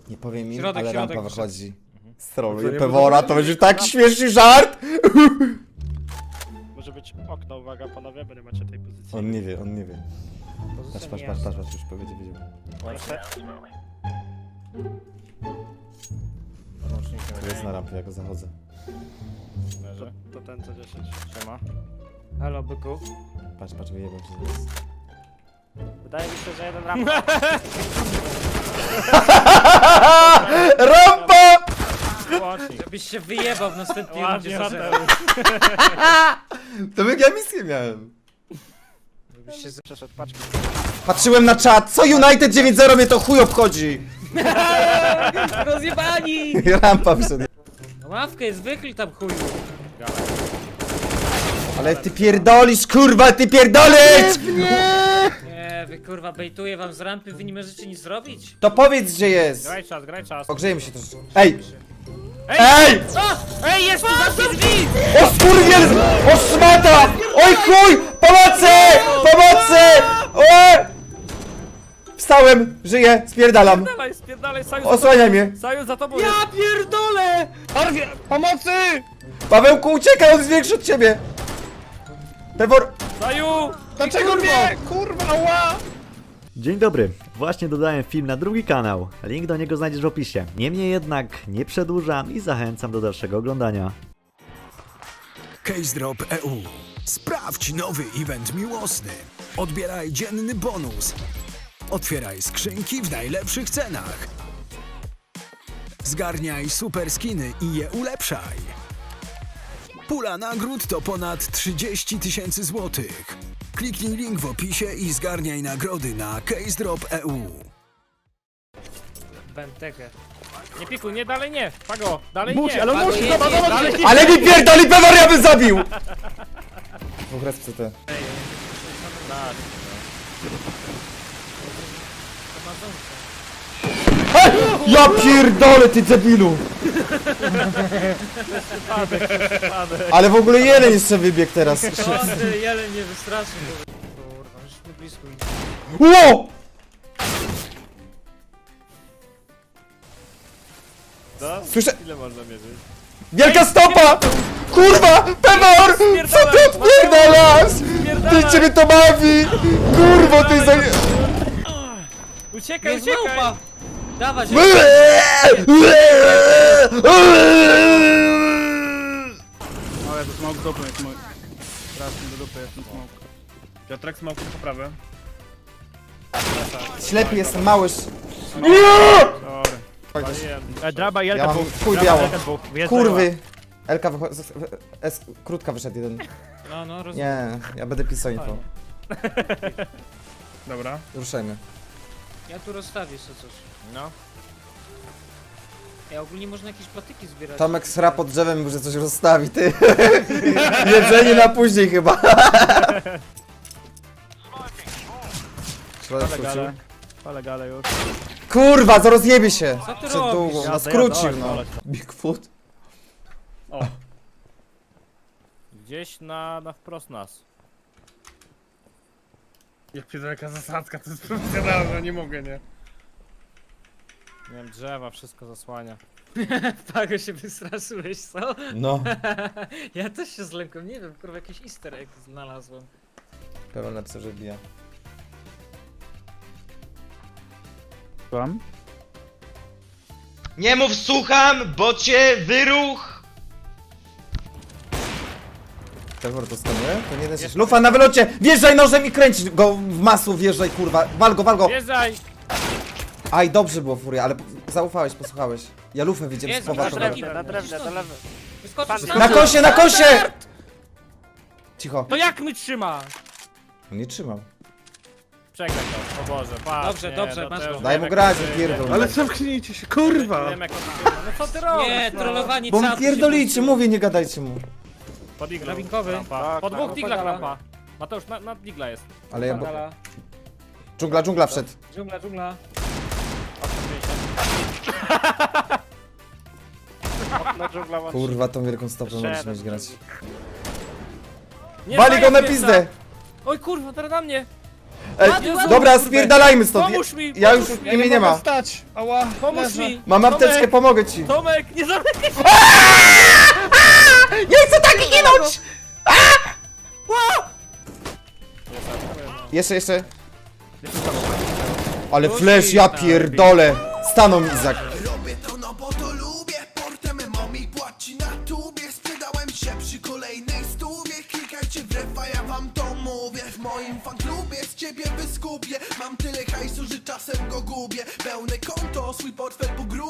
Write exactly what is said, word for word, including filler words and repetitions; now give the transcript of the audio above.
Nie powiem im, Środek, ale środek, rampa wyszedł. wychodzi. To Stroluję nie Pewora, było- to będzie taki śmieszny żart! Może być okno, uwaga panowie, bo nie macie tej pozycji. On nie wie, on nie wie. Patrz, Pozycja patrz, nie patrz, jasna. patrz, patrz, już powiedział, wiedział. Proszę. To jest na rampie, ja go zachodzę. To, to ten co dziesięć. Siema. Halo, byku. Patrz, patrz, wyjebał się zaraz. Wydaje mi się, że jeden rampa. Rampa! Łącznik. Żebyś się wyjebał w następnej rundzie. Ładnie, za Mateusz. To jak ja misję miałem. Żebyś się z... Przeszedł paczkę. Patrzyłem na czat, co United dziewięć zero mnie to chuj obchodzi! Rozjebani! Rampa wszedł. No ławkę jest wychyl tam chuju. Ale ty pierdolisz, kurwa, ty pierdolisz! Nie, wy kurwa bejtuję wam z rampy, wy nie możecie nic zrobić? To powiedz, gdzie jest! Graj czas, graj czas. Ogrzejmy się troszeczkę. Ej! Ej! Ej! O! Ej, jest tu zamknij drzwi! O skurwiel! O szmata! Oj chuj! Pomocy! Pomocy! O! Wstałem! Żyję! Spierdalam! Spierdalaj, spierdalaj, Saju, Osłaniaj mnie! Saju za tobą Ja jest. pierdolę! Arwie, pomocy! Pawełku, uciekaj! On jest większy od ciebie! Pewor... Saju! Dlaczego mnie? Kurwa, ła! Dzień dobry, właśnie dodałem film na drugi kanał, link do niego znajdziesz w opisie. Niemniej jednak nie przedłużam i zachęcam do dalszego oglądania. CaseDrop kropka e u. Sprawdź nowy event miłosny. Odbieraj dzienny bonus. Otwieraj skrzynki w najlepszych cenach. Zgarniaj super skiny i je ulepszaj. Pula nagród to ponad trzydzieści tysięcy złotych. Kliknij link w opisie i zgarniaj nagrody na CaseDrop kropka e u. Bentekę. Nie pikuj, nie, dalej nie. Pago, dalej Musi, nie. ale Pago, musi, jedź, zobacz, jedź, zobacz! jedź. Ale mi pierdoli Pewor, ja bym zabił! Dwóch raz C T. Tak. Ja pierdolę, ty debilu! Ale w ogóle jeden jeszcze wybiegł teraz. O, ty jeleń nie wystraszy. Kurwa, już mi blisko idzie. Ło! Słyszę... Ile można mierzyć? Wielka stopa! Kurwa! Pewor! Co ty odpierdalasz? Ty ciebie to bawi! Kurwo, ty za... Uciekaj, Jest uciekaj! małpa! Dawać! Ale to smoke dupy jest mój. Strasznie do dupy jest ten smoke. Piotrek smoke po prawej. Ślepy jestem, mały. Sorry. E, draba i Ja Elka mam dwóch. chuj Draba, biało. Elka dwóch. Jest Kurwy! Elka wychodzi... S... Krótka wyszedł jeden. No, no, rozumiem. Nie, ja będę pisał info. draba. Dobra. Ruszajmy. Ja tu rozstawię sobie coś. No. Ja ogólnie można jakieś patyki zbierać. Tomek sra pod drzewem, że coś rozstawi, ty. Jedzenie na później chyba. Środek Pale skrócił. gale. Pale gale już. Kurwa, to rozjebie się! Co ty Przed robisz? długą, no Jazda, skrócił jazda, no. oj, Bigfoot. O. Gdzieś na, na wprost nas. Jak przyjdzie jaka zasadzka, to jest profesjonalne, nie mogę, nie? Nie wiem, drzewa, wszystko zasłania. Pago się wystraszyłeś, co? No. Ja też się zlękłem, nie wiem, kurwa jakiś easter egg znalazłem. Pewnie napisał, że bija. Słucham? Nie mów słucham, bo cię wyruch! Pewor to skanuje? To nie da się. Lufa na wylocie! Wjeżdżaj nożem i kręć go w masło, wjeżdżaj kurwa. Wal go, wal go! Wjeżdżaj! Aj, dobrze było Furia, ale po- zaufałeś, posłuchałeś. Ja lufę widziałem z Jezu, chowa. na to- drewnie. Na drewnie, do lewej. Wyskoczysz Na kosie, na kosie! Cicho. To jak my trzyma? On nie trzymał. Przegraj to, o Boże, patrz. Dobrze, nie, dobrze, to masz też go. wiem, Daj mu jak grać, to- pierdol. Ale zamknijcie się, kurwa! Wiem jak on trzyma. No co ty robisz? Nie, no? trollowani Bo mu capy się pierdolicie, puściły. mówię, nie gadajcie mu. Pod iglą. Drabinkowy. Rampa. Tak, Po tak. dwóch diglach Opagala. rampa. Mateusz, na, na digla jest. Ale ja... Bo... Dżungla, Dżungla, dżungla wszedł. dżungla, dżungla. Na dżungla łączy. Kurwa, tą wielką stopą Jeszcze możesz jeden. mieć grać. Nie, Wali go na zajeb pizdę! Oj kurwa, teraz na mnie! Ej, Jezu, dobra, kurde. spierdalajmy stąd. Pomóż mi, Ja już pomóż mi. mnie nie ma. Stać! Ała, Pomóż leżę. mi! Mam apteczkę, Tomek, pomogę ci. Tomek, nie zamykaj się! Nie chcę tak ginąć! Jeszcze, jeszcze. Ale flash, ja pierdolę. Stanął mi Izak. Robię to no bo to lubię. Portem mommy płaci na tubie. Sprzedałem się przy kolejnej stówie. Klikajcie w refa, ja wam to mówię. W moim fanklubie z ciebie wyskupię. Mam tyle hajsu, że czasem go gubię. Pełne konto, swój portfel po grubie.